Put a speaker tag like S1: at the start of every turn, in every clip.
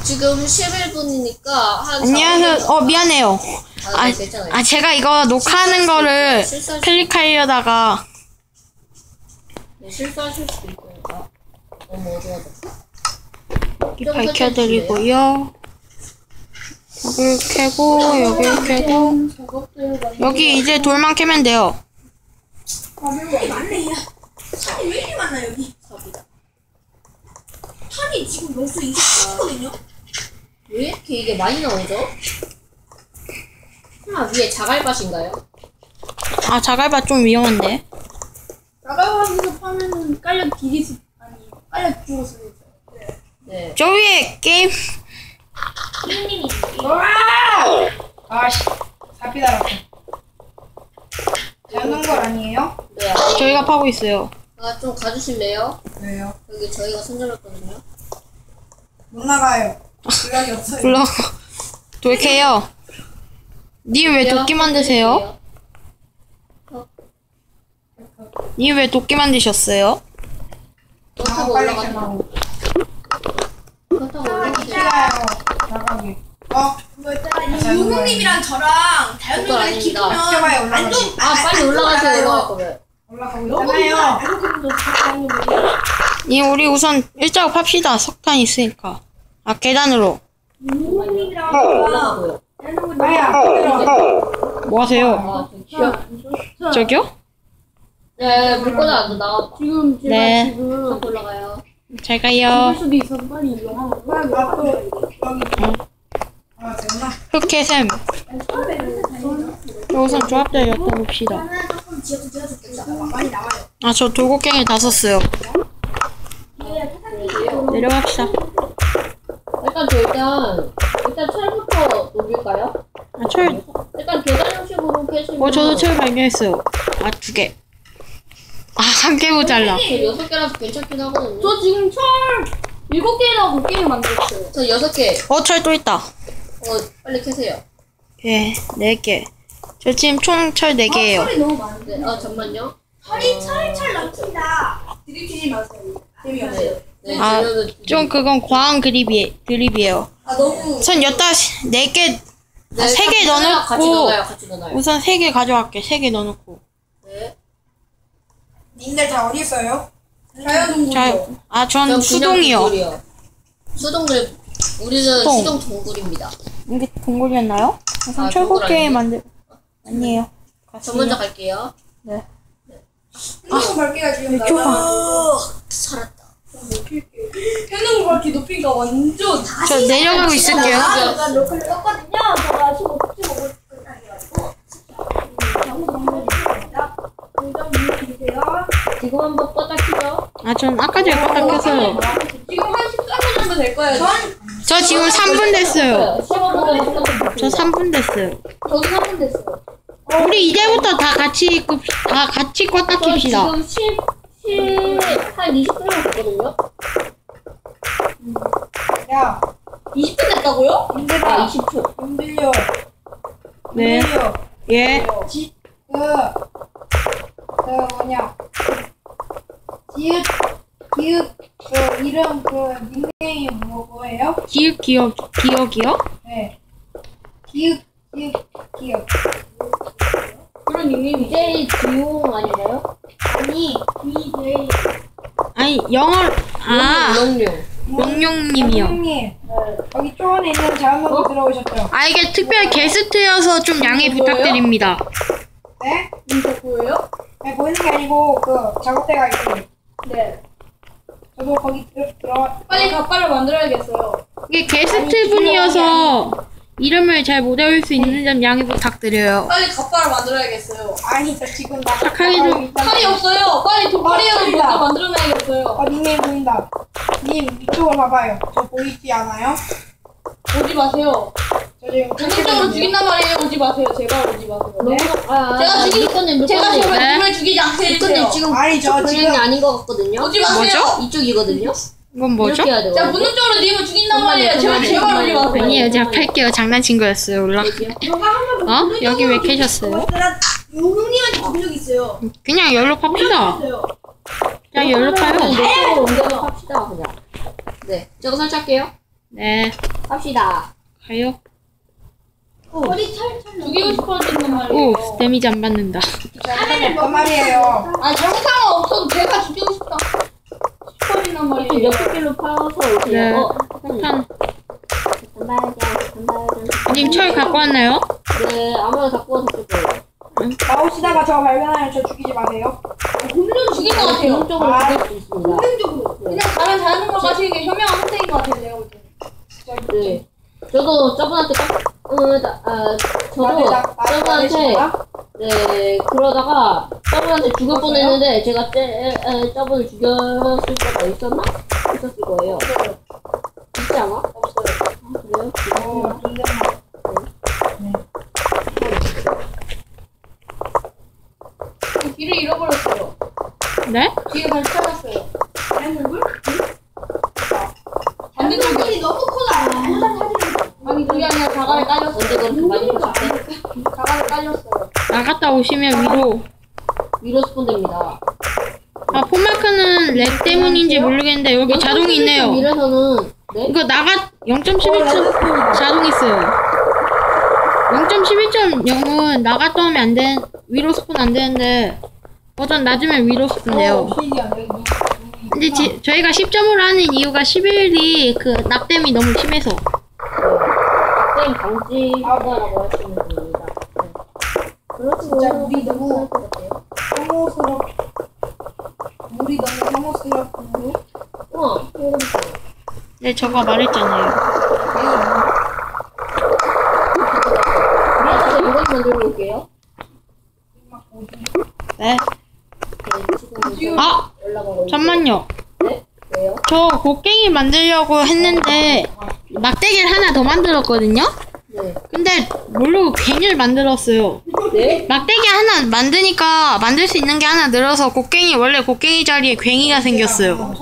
S1: 지금 11분이니까 한
S2: 안녕하세요. 미안해요.
S1: 네, 괜찮아요.
S2: 제가 이거 녹화하는 거를 클릭하려다가
S1: 네, 실수하실 수도 있으니까 너무 어두워졌어.
S2: 밝혀드리고요. 여기를 캐고 여기를 캐고 여기 이제 돌만 캐면 돼요.
S3: 여기 많네. 탄이 왜 이렇게 많아 여기?
S1: 삽이다.
S3: 탄이 지금 벌써 27거든요.
S1: 왜 이렇게 이게 많이 나오죠? 위에 자갈밭인가요?
S2: 자갈밭 좀 위험한데.
S3: 나가면서 파면은 깔려 디리스 아니 깔려 죽었어.
S1: 네.
S2: 저 위에 게임
S3: 피디님이
S4: 아씨, 사피 달았어. 잡는 걸 아니에요?
S1: 네.
S2: 저희가 파고 있어요.
S1: 좀 가주실래요?
S4: 왜요?
S1: 여기 저희가 손잡았거든요.
S4: 못 나가요. 연락이 없어요.
S2: 불러 돌 캐요. 님 왜 도끼 만드세요? 님 왜 도끼 만드셨어요?
S1: 그렇다고
S4: 빨리
S1: 올라가세요.
S4: 가라고.
S1: 그렇다고 올라가세요.
S4: 싫어요. 나가게.
S3: 그거 있잖아. 유국님이랑 저랑
S1: 그거
S3: 다현님이랑
S1: 아닙니다.
S4: 해봐요,
S3: 깊으면
S4: 올라가게.
S1: 빨리 올라가세요. 올라갈 거면.
S4: 올라가고 있잖아요.
S2: 님 우리 우선 일자로 팝시다. 석탄 있으니까. 계단으로.
S3: 유국님이랑
S1: 올라가고요.
S4: 아야,
S2: 뭐 하세요? 저기요?
S1: 네, 물건은 안 나와.
S3: 지금 제가
S2: 네.
S3: 지금
S1: 올라가요.
S2: 잘 가요.
S3: 수도 있어서 빨리 일어나.
S4: 나또 여기. 됐나?
S2: 흑해샘. 우선 조합자 엿봅시다.
S3: 많이 나와요.
S2: 저 돌고갱이 다 썼어요. 내려갑시다.
S1: 일단 철부터 녹일까요?
S2: 철.
S1: 일단 계단 형식으로 캐시면.
S2: 저도 철 발견했어요. 2개. 한 개 모자라.
S1: 저 6개라서 괜찮긴 하거든요.
S3: 저 지금 철 7개나 9개를 만들었어요.
S1: 저 6개.
S2: 철 또 있다.
S1: 빨리 캐세요.
S2: 예, 4개. 저 지금 총 철 4개예요.
S3: 철이 너무 많은데.
S1: 네, 잠만요.
S3: 철이 철 넘친다. 들이키지 마세요. 재미없어요.
S1: 네,
S2: 좀 그건 과한 드립이에요.
S3: 너무.
S2: 우선 여기다 4개,
S1: 네,
S2: 3개
S1: 같이
S2: 넣어놓고,
S1: 넣어요. 같이 넣어요.
S2: 우선 3개 가져갈게. 3개 넣어놓고.
S1: 네.
S4: 님들 다 어디 있어요?
S2: 전 수동이요.
S1: 동굴이요. 우리는
S2: 수동.
S1: 수동 동굴입니다.
S2: 이게 동굴이었나요? 우선 철곡게 아니에요.
S1: 저 먼저 갈게요.
S2: 네.
S4: 핸드폰 밝기가 지금
S1: 살았다.
S3: 핸드폰 밝기 높이가 완전.
S2: 저 내려가고 있을게요.
S3: 제가 로컬을 떴거든요. 제가 15분 먹을 거 아니가지고. 공장 주세요.
S1: 지금 한번 껐다 키죠.
S2: 전 아까 전에 껐다 켰어요.
S3: 지금 한 13분 정도 될 거예요.
S2: 저 지금 3분 됐어요.
S1: 15분에
S2: 저 3분 됐어요.
S3: 저도 3분 됐어요.
S2: 우리 이제부터 다 같이 껐다 킵시다.
S1: 지금 한 20분 됐거든요.
S4: 야,
S3: 20분 됐다고요?
S4: 님들아,
S1: 20초.
S4: 님들요.
S2: 네.
S4: 님들요.
S2: 예.
S4: 뭐냐. 기읍, 이름, 닉네임 뭐예요?
S2: 기억이요?
S4: 네. 기읍.
S3: 그런 닉네임이
S1: DJ 지용 아닌가요?
S3: 아니, DJ.
S2: 아니, 영어,
S1: 용용.
S2: 용용님이요.
S4: 형님, 여기 초원에 있는 자연농구 들어오셨죠?
S2: 이게 특별 게스트여서 좀 양해 부탁드립니다.
S4: 네?
S3: 이거 뭐예요?
S4: 네, 보이는 게 아니고, 작업대가 있어요.
S3: 네.
S4: 저도 거기 들어.
S3: 빨리 갓발을 만들어야겠어요.
S2: 이게 게스트 분이어서 이름을 잘 못 외울 수 있는 점 양해 부탁드려요.
S3: 빨리 갓발을 만들어야겠어요.
S4: 아니, 저 지금 나.
S2: 착하게 좀.
S3: 칼이 없어요. 빨리 도파리를 먼저 만들어놔야겠어요.
S4: 닉네임 보인다. 님, 이쪽으로 봐봐요. 저 보이지 않아요?
S3: 오지 마세요.
S4: 저 지금
S3: 본능적으로 죽인단 말이에요. 오지 마세요. 제발 오지 마세요.
S4: 네?
S3: 제가
S2: 네?
S3: 제발 님을 죽이지 않게 해주세요.
S1: 지금
S4: 아니, 저
S1: 방향이
S4: 지금.
S1: 아닌 것 같거든요.
S3: 오지 마세요.
S2: 뭐죠?
S1: 이쪽이거든요.
S2: 이건 뭐죠?
S1: 이렇게 해야 돼요.
S3: 제가 본능적으로 님을 죽인단 말이에요. 제발 오지 마세요.
S2: 아니에요, 제가 팔게요. 장난친 거였어요. 여기 왜 캐셨어요?
S3: 용님한테 죽은 적 있어요.
S2: 그냥 열로 팝시다. 그냥 열로 파요.
S1: 이쪽으로 옮겨서 합시다 그냥. 네, 저거 설치할게요.
S2: 네.
S1: 갑시다.
S2: 가요.
S3: 어디 찰찰 죽이고 싶어지는 말이에요.
S2: 오, 데미지 안 받는다.
S4: 하늘을 뭐 말이에요.
S3: 아 영상은 없어도 제가 죽이고 싶다 싶어지는
S1: 이렇게
S3: 말이에요.
S1: 몇 개로 파서 오세요.
S2: 네.
S1: 잠깐만요.
S2: 폭탄.
S1: 잠깐만요.
S2: 님 철 갖고 왔나요?
S1: 네, 아무나 갖고 와서 쓸 거예요.
S4: 나오시다가 저 발견하면 저 죽이지 마세요.
S3: 본능적으로 죽인 것 같아요.
S1: 본능적으로
S4: 아.
S1: 죽일 수 있습니다.
S3: 본능적으로. 그냥 가면 자는 걸 가시는 게 현명한 선택인 것 같아요. 내가 볼 때는.
S1: 네. 저도 저분한테 저분한테 네 그러다가 저분한테 죽을 뻔했는데 제가 저분을 죽였을 때가 있었나? 있었을 거예요. 있지 않아?
S3: 없어요.
S1: 그래요?
S4: 존댓말.
S3: 길을 잃어버렸어요.
S2: 네?
S3: 길을 다시 찾았어요.
S4: 물?
S3: 반대쪽이 너무 크다. 아니 그게 아니라 자갈에 깔렸어.
S1: 언제 그렇게 많이 하셨대?
S3: 자갈에 깔렸어요.
S2: 나갔다 오시면
S1: 위로 스폰 됩니다.
S2: 아, 폰마크는 렉 때문인지 모르겠는데 여기 자동이 있네요.
S1: 위에서는 네?
S2: 이거 0.11점 자동 있어요. 0.11.0은 나갔다 오면 안 돼. 위로 스폰 안 되는데 버전 낮으면 위로 스폰 돼요.
S4: 신기하네.
S2: 근데 저희가 10점으로 하는 이유가 11이 그 낙댐이 너무 심해서.
S1: 게임 방지하다라고 할 수 있는 겁니다. 네. 그렇죠.
S4: 진짜 물이 너무
S1: 것 같아요.
S4: 혐오스럽. 물이 너무 혐오스럽고.
S1: 이거
S2: 네, 저가 말했잖아요.
S1: 위에서 이것 만들고 올게요.
S2: 네.
S1: 네, 지금
S2: 아!
S1: 올라가고
S2: 잠만요.
S1: 네? 왜요?
S2: 저 곡괭이 만들려고 했는데 막대기를 하나 더 만들었거든요?
S1: 네.
S2: 근데 모르고 괜히를 만들었어요.
S1: 네?
S2: 막대기 하나 만드니까 만들 수 있는 게 하나 늘어서 원래 곡괭이 자리에 괭이가 생겼어요.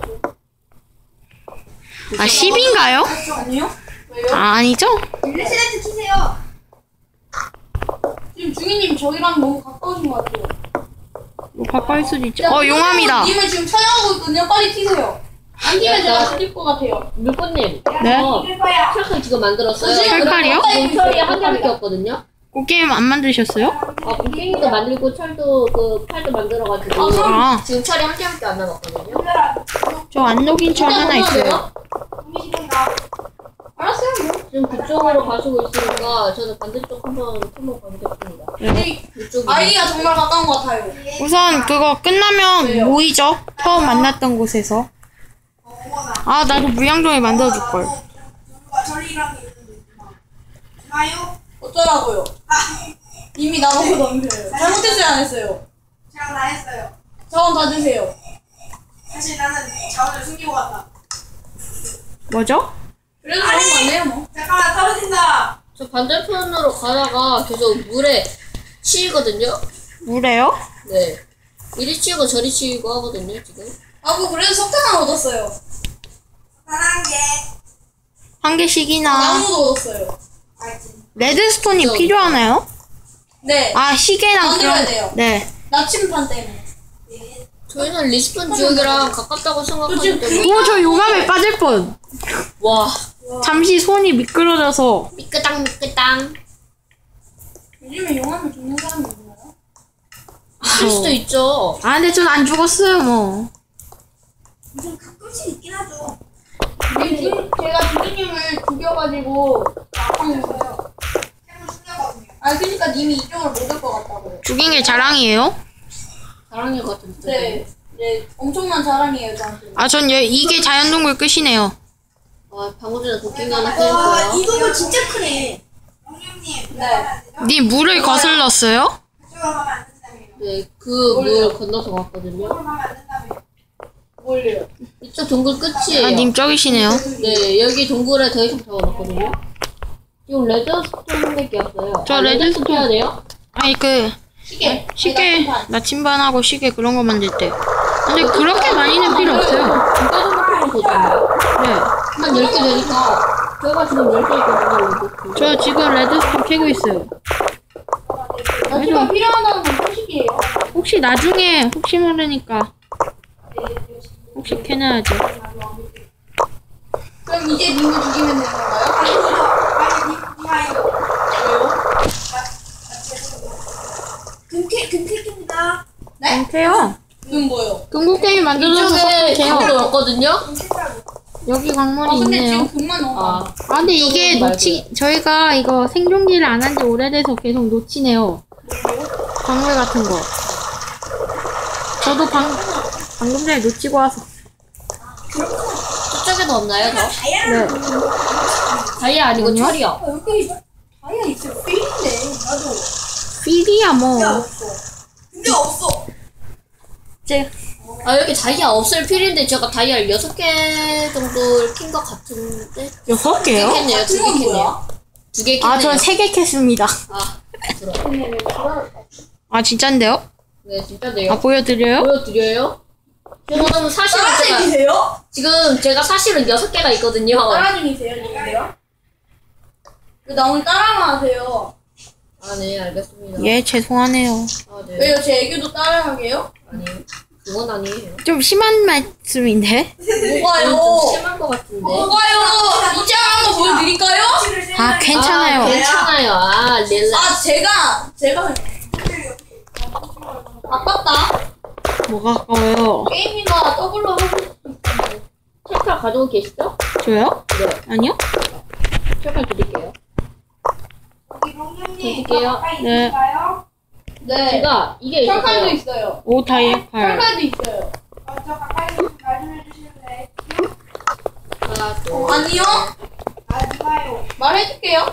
S2: 아, 10인가요?
S3: 아니요?
S2: 아, 아니죠?
S4: 레시렌트 키세요.
S3: 지금 중이님 저희랑 너무 가까우신 것 같아요.
S2: 뭐 가까울 수도 있죠. 용암이다.
S3: 님을 지금 촬영하고 있거든요. 빨리 튀세요. 안 튀면 제가 죽일 것 같아요.
S1: 물고님.
S2: 네?
S4: 이길 거야.
S1: 철칼 지금 만들었어요.
S2: 철칼이요?
S1: 지금 철이 한 개밖에 없거든요.
S2: 곡괭이 안 만드셨어요?
S1: 곡괭이도 만들고 철도 팔도 만들어가지고
S2: 아,
S1: 지금 철이 한 개밖에 안 남았거든요.
S2: 저 안 녹인 철 하나 있어요.
S3: 알았어요.
S1: 지금 그쪽으로 가시고 있으니까 저는 반대쪽 한번 가보겠습니다. 이쪽이
S3: 아이디가 정말 가까운 것 같아요.
S2: 우선 그거 끝나면 모이죠? 처음 만났던 곳에서. 아, 나도 무양종이 만들어줄걸.
S4: 저리랑 있나요?
S3: 어쩌라고요? 이미 나보고 넘겨요. 잘못했어요, 안 했어요?
S4: 제가 다 했어요.
S3: 자원 다 주세요.
S4: 사실 나는 자원을 숨기고 갔다.
S2: 뭐죠?
S3: 그래도 좋은 거 아니에요, 뭐.
S4: 잠깐만 떨어진다.
S1: 저 반대편으로 가다가 계속 물에 치이거든요.
S2: 물에요?
S1: 네. 이리 치이고 저리 치이고 하거든요, 지금.
S3: 아, 뭐, 그래도 석탄을 얻었어요.
S4: 하나한 개.
S2: 한 개씩이나.
S3: 나무도 얻었어요.
S4: 알지.
S2: 레드스톤이 필요하나요?
S3: 네.
S2: 아, 시계랑
S3: 만들어야
S2: 그런.
S3: 돼요.
S2: 네.
S3: 나침판 때문에.
S1: 저희는 리스폰 지역이랑 가깝다고 생각하기 때문에.
S2: 오, 저 용암에 빠질 뻔.
S1: 와,
S2: 잠시 손이 미끄러져서.
S1: 미끄땅.
S3: 요즘에 용암을 죽는 사람이 있나요?
S1: 있을 수도 있죠.
S2: 아, 근데 전 안 죽었어요, 뭐.
S4: 무슨 가끔씩 있긴 하죠.
S3: 제가 주기님을 죽여가지고 낙하했어요.
S4: 템을 숨겨거든요.
S3: 아, 그러니까 님이 이쪽으로 못 올 것 같다고요.
S2: 죽인 게 자랑이에요?
S1: 자랑일 것 같은데.
S3: 네. 네, 엄청난 자랑이에요, 저한테.
S2: 아, 전 이게 자연동굴 끝이네요.
S1: 방금 전에 곡괭이 하나
S4: 와,
S1: 떼었어요.
S4: 이 동굴 진짜 크네. 영님님,
S3: 네.
S2: 니 물을 거슬렀어요?
S4: 그쪽으로 가면 안 된다며요.
S1: 네, 그 물 건너서 갔거든요.
S4: 그쪽으로 가면 안 된다며요.
S3: 뭘요?
S1: 이쪽 동굴 끝이에요.
S2: 아, 님 저기시네요.
S1: 네, 여기 동굴에 더 이상 적어놨거든요. 지금 레드스톤밖에 없어요.
S2: 저 레드스톤.
S1: 해야 돼요?
S2: 아니,
S3: 시계.
S2: 시계, 나침반하고 시계 그런 거 만들 때. 근데 그렇게 많이는 필요 없어요.
S1: 두개 정도면 되잖아요.
S2: 네.
S1: 한 10개 되니까. 저희가 지금 10개 있거든요.
S2: 저 지금 레드스톤 캐고 있어요.
S3: 나침반 필요하다는 건 소식이에요.
S2: 혹시 나중에, 혹시 모르니까. 혹시 캐놔야죠.
S3: 그럼 그럼 이제 님을 죽이면 되는 건가요?
S4: 아니 니하이요.
S3: 왜요?
S4: 금캐입니다.
S2: 안돼요.
S3: 눈 뭐요?
S2: 궁극게임 만들어서
S1: 이쪽에
S2: 섞으세요.
S1: 광물 없거든요?
S2: 여기 광물이
S3: 근데
S2: 있네요.
S3: 지금 금만 너무
S1: 아,
S3: 많아.
S2: 아 근데 이게
S1: 말고요.
S2: 저희가 이거 생존기를 안 한 지 오래돼서 계속 놓치네요. 광물 같은 거. 저도 방금 전에 놓치고 와서.
S1: 저쪽에도 없나요, 저?
S2: 네.
S1: 다이아 아니고
S2: 아니요?
S1: 철이요.
S4: 여기 다이아 있어요. 필인데 나도.
S2: 필이야 뭐.
S4: 다이아 없어. 근데 없어.
S2: 제
S1: 아, 여기 다이아 없을 필인데 제가 다이아 6개 정도 킨 것 같은데?
S2: 6개요?
S1: 2개 캤네요, 2개
S3: 그건
S1: 캤네요.
S3: 뭐야?
S1: 2개 캤네요.
S2: 아, 전 3개 캤습니다.
S1: 아, 들어.
S2: 아, 진짠데요?
S1: 네, 진짜네요.
S2: 아, 보여드려요?
S1: 보여드려요? 저는 사실은 제가,
S3: 따라쟁이세요?
S1: 지금 제가 사실은 6개가 있거든요.
S3: 따라쟁이세요, 님들요? 나 오늘 따라만 하세요.
S1: 아, 네, 알겠습니다.
S2: 예, 죄송하네요.
S1: 아, 네.
S3: 왜요? 제 애교도 따라하게요?
S1: 아니에요. 그건 아니에요.
S2: 좀 심한 말씀인데?
S3: 뭐가요?
S1: 좀 심한 것 같은데.
S3: 뭐가요? 이제 한번 보여드릴까요?
S2: 아, 괜찮아요.
S1: 아, 괜찮아요. 아, 릴라.
S3: 아, 제가 아깝다.
S2: 뭐가 아까워요?
S3: 게임이나 더블로 하고 싶은데.
S1: 찰칼 가지고 계시죠?
S2: 저요?
S1: 네.
S2: 아니요?
S1: 찰칼 드릴게요. 드릴게요.
S2: 네.
S3: 네.
S1: 제가 이게
S3: 철칼도
S1: 있어요.
S3: 있어요.
S2: 오, 다이아 칼.
S3: 철칼도 있어요.
S4: 저 가까이 좀 해주실래?
S1: 하나, 둘,
S3: 아니요.
S4: 아 니가요.
S3: 말해줄게요.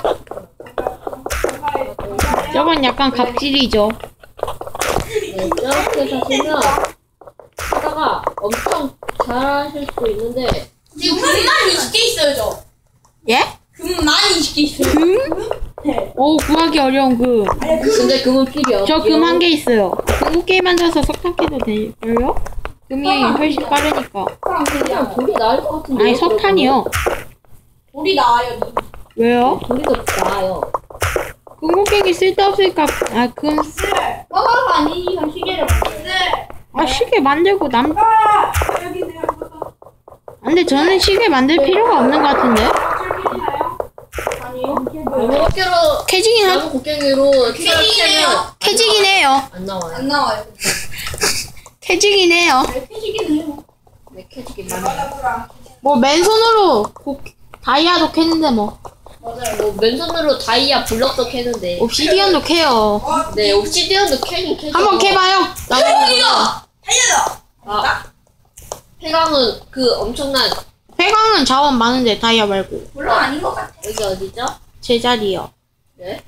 S2: 저건 약간 갑질이죠.
S1: 네, 이렇게 하시면 하다가 엄청 잘하실 수도 있는데
S3: 지금 금만 20개 있어요, 저.
S2: 예?
S3: 금만 20개 있어요.
S2: 금?
S3: 네.
S2: 오, 구하기 어려운 금.
S1: 근데 금은 필요
S2: 저 금 1개 있어요. 궁극게임 만들어서 석탄 캐도 될걸요? 금이 훨씬 빠르니까.
S1: 그냥 돌이 나을 것 같은데.
S2: 아니, 석탄이요.
S3: 돌이 나와요, 님.
S2: 왜요?
S1: 돌이 더 나아요.
S2: 궁극게임이 쓸데없으니까, 금.
S3: 화가가 아니면 시계를 만들어요.
S2: 아, 시계 만들고
S4: 아 여기 내가
S2: 근데 저는 시계 만들 필요가 없는 것 같은데?
S4: 철기나요?
S3: 아니요.
S1: 나무 어깨로
S2: 캐지긴
S1: 나무 곡괭이로
S3: 캐지기네요.
S2: 캐지긴 해요.
S1: 안 나와요.
S3: 안 나와요.
S2: 캐지긴 해요.
S3: 네, 캐지기는 해요.
S1: 네, 캐지기 많아요.
S2: 뭐, 맨손으로 다이아도 캐는데 뭐.
S3: 맞아요.
S1: 뭐 맨손으로 다이아 블럭도 캐는데.
S2: 옵시디언도 캐요.
S1: 네, 옵시디언도 캐긴 캐죠.
S2: 한번 캐봐요.
S3: 대박이다!
S4: 달려라.
S1: 아, 폐광은 그 엄청난
S2: 폐광은 자원 많은데 다이아 말고.
S3: 물론 아닌 것 같아.
S1: 여기 어디죠?
S2: 제자리요.
S1: 네.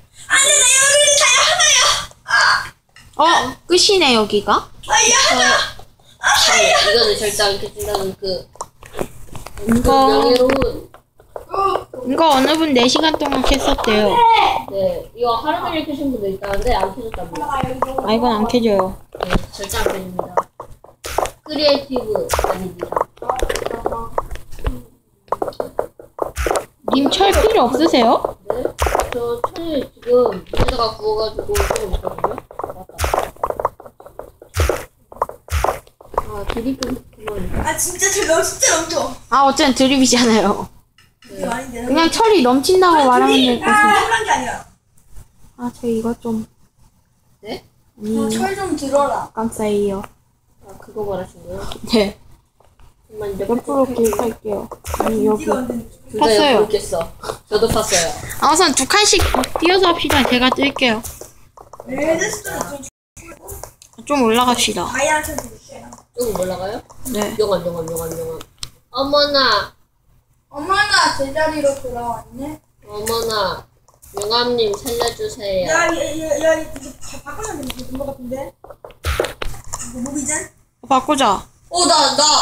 S2: 끝이네, 여기가.
S1: 이거는 절대 안 캐진다는 그
S2: 이거,
S1: 명예로운.
S2: 이거 어느 분 4시간 동안 캤었대요.
S1: 네, 이거 하루 종일 캐신 분도 있다는데 안 캐졌답니다.
S2: 아, 이건 안 캐져요.
S1: 네, 절대 안 캐집니다. 크리에이티브 아닙니다.
S2: 님 철 필요 없으세요?
S1: 네, 저 철 지금 물에다가 구워가지고 조금 있거든요. 맞다. 아, 드립은 그만.
S4: 아 진짜 저 진짜 넘쳐.
S2: 아, 어쨌든 드립이잖아요.
S1: 네.
S4: 아닌데.
S2: 그냥 철이 넘친다고 말하면 될 것 같아요.
S4: 그런 게 아니라.
S2: 아, 저 이거 좀.
S1: 네?
S3: 철 좀 들어라.
S2: 깜짝이에요.
S1: 아, 그거 말하신 거예요?
S2: 네.
S1: 정말
S2: 옆으로 기획할게요. 아니, 여기.
S1: 둘다
S2: 팠어요.
S1: 옆으로 깼어. 저도 팠어요.
S2: 아, 우선 2칸씩 띄어서 합시다. 제가 뜰게요.
S4: 레드스톤
S2: 좀 올라갑시다.
S4: 다이아 쳐 드릴게요.
S1: 조금 올라가요?
S2: 네.
S1: 용암. 어머나,
S3: 어머나, 제자리로 돌아왔네.
S1: 어머나, 용암님 살려주세요.
S4: 야 이거 바꾸면 되는 것 같은데. 이거 무비전?
S2: 바꾸자.
S3: 나